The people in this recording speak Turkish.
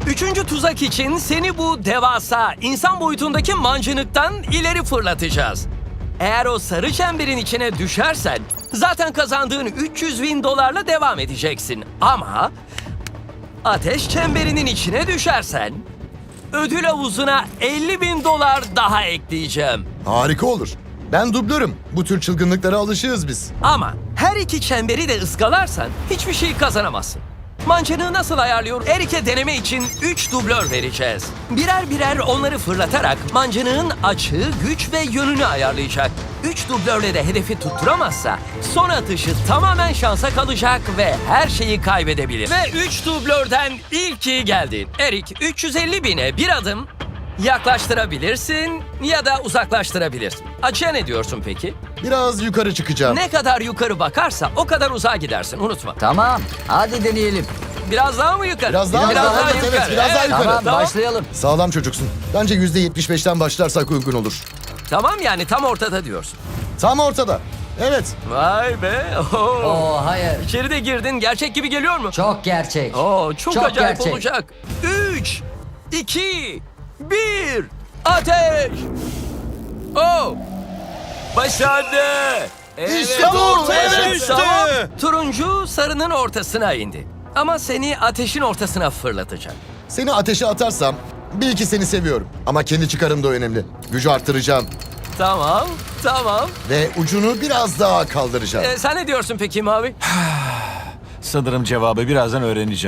Üçüncü tuzak için seni bu devasa insan boyutundaki mancınıktan ileri fırlatacağız. Eğer o sarı çemberin içine düşersen zaten kazandığın 300.000 dolarla devam edeceksin. Ama ateş çemberinin içine düşersen ödül havuzuna 50.000 dolar daha ekleyeceğim. Harika olur. Ben dublörüm. Bu tür çılgınlıklara alışığız biz. Ama her iki çemberi de ıskalarsan hiçbir şey kazanamazsın. Mancınığı nasıl ayarlıyor? Erik'e deneme için 3 dublör vereceğiz. Birer birer onları fırlatarak mancınığın açığı, güç ve yönünü ayarlayacak. 3 dublörle de hedefi tutturamazsa son atışı tamamen şansa kalacak ve her şeyi kaybedebilir. Ve 3 dublörden ilki geldi. Erik 350.000'e bir adım yaklaştırabilirsin ya da uzaklaştırabilirsin. Açığa ne diyorsun peki? Biraz yukarı çıkacağım. Ne kadar yukarı bakarsa o kadar uzağa gidersin, unutma. Tamam, hadi deneyelim. Biraz daha mı yukarı? Biraz daha yukarı, evet, biraz daha yukarı. Tamam, başlayalım. Sağlam çocuksun. Bence %75'ten başlarsak uygun olur. Tamam, yani tam ortada diyorsun. Tam ortada. Evet. Vay be. Oo. Oo, hayır. İçeri de girdin. Gerçek gibi geliyor mu? Çok gerçek. Oo, çok Çok acayip gerçek. olacak. 3, 2, 1. Ateş. Oh. Başardı. İşte bu, evet. Tamam. Turuncu sarının ortasına indi. Ama seni ateşin ortasına fırlatacak. Seni ateşe atarsam bil ki seni seviyorum. Ama kendi çıkarım da önemli. Gücü arttıracağım. Tamam, tamam. Ve ucunu biraz daha kaldıracağım. Sen ne diyorsun peki Mavi? Sanırım cevabı birazdan öğreneceğim.